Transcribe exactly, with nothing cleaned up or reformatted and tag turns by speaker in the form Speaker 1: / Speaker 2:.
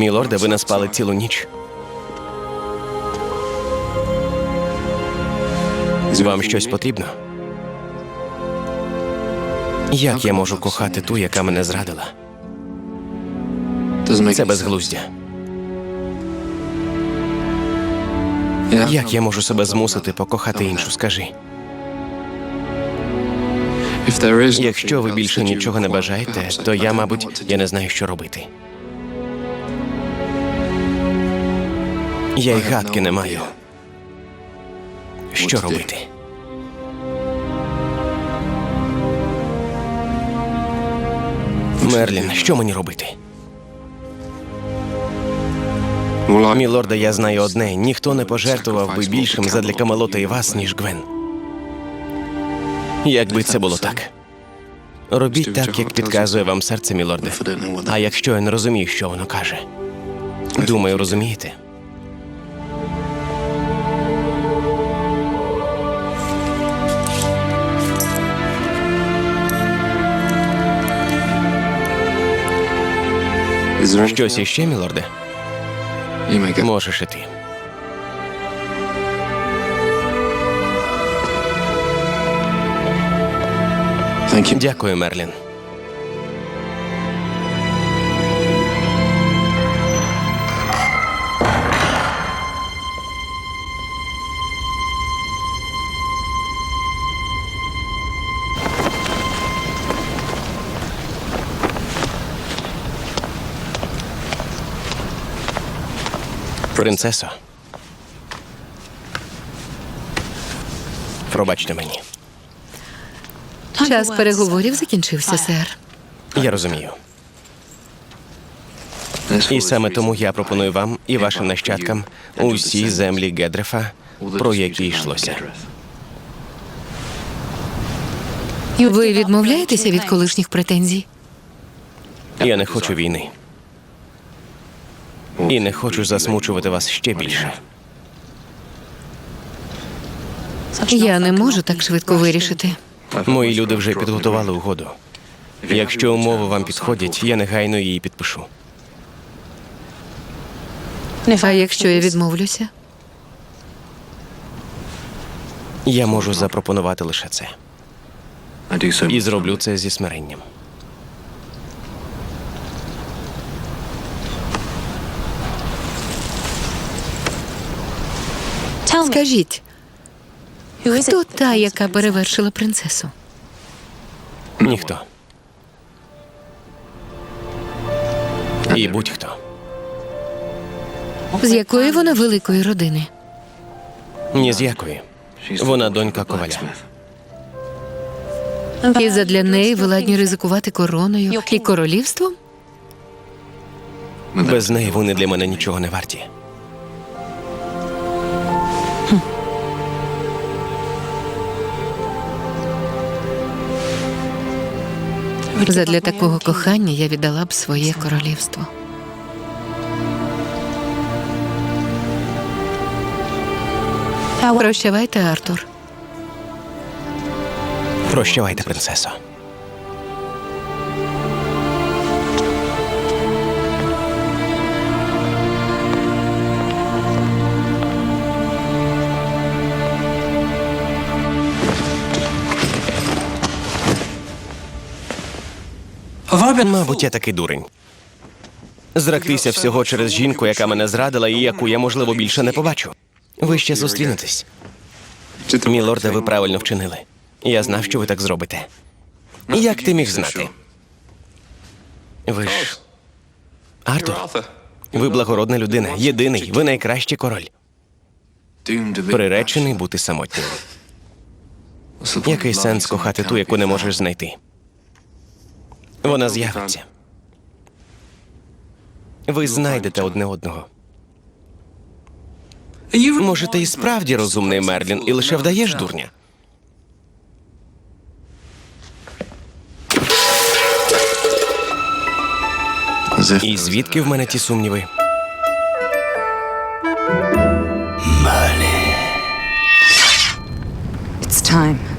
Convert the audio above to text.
Speaker 1: Мілорде, ви не спали цілу ніч. Вам щось потрібно? Як я можу кохати ту, яка мене зрадила? Це безглуздя. Як я можу себе змусити покохати іншу, скажи? Якщо ви більше нічого не бажаєте, то я, мабуть, я не знаю, що робити. Я й гадки не маю. Що робити? Мерлін, що мені робити? Мілорде, я знаю одне. Ніхто не пожертвував би більшим задля Камелота і вас, ніж Гвен. Якби це було так. Робіть так, як підказує вам серце, мілорде. А якщо я не розумію, що воно каже? Думаю, розумієте? Щось іще, мілорде? Можеш іти. Дякую, Мерлін. Принцесо. Пробачте мені.
Speaker 2: Час переговорів закінчився, сер.
Speaker 1: Я розумію. І саме тому я пропоную вам і вашим нащадкам усі землі Гедрефа, про які йшлося.
Speaker 2: Ви відмовляєтеся від колишніх претензій?
Speaker 1: Я не хочу війни. І не хочу засмучувати вас ще більше.
Speaker 2: Я не можу так швидко вирішити.
Speaker 1: Мої люди вже підготували угоду. Якщо умови вам підходять, я негайно її підпишу.
Speaker 2: А якщо я відмовлюся?
Speaker 1: Я можу запропонувати лише це. І зроблю це зі смиренням.
Speaker 2: Скажіть, хто та, яка перевершила принцесу?
Speaker 1: Ніхто. І будь-хто.
Speaker 2: З якої вона великої родини?
Speaker 1: Ні з якої. Вона донька коваля.
Speaker 2: І задля неї ви ладні ризикувати короною і королівством?
Speaker 1: Без неї вони для мене нічого не варті.
Speaker 2: Задля такого кохання я віддала б своє королівство. Прощавайте, Артур.
Speaker 1: Прощавайте, принцесо. Мабуть, я такий дурень. Зректися всього через жінку, яка мене зрадила і яку я, можливо, більше не побачу. Ви ще зустрінетесь. Мілорде, ви правильно вчинили. Я знав, що ви так зробите. Як ти міг знати? Ви ж... Артур, ви благородна людина, єдиний, ви найкращий король. Приречений бути самотнім. Який сенс кохати ту, яку не можеш знайти? Вона з'явиться. Ви знайдете одне одного. Може, ти і справді розумний, Мерлін, і лише вдаєш дурня? І звідки в мене ті сумніви?
Speaker 3: It's time.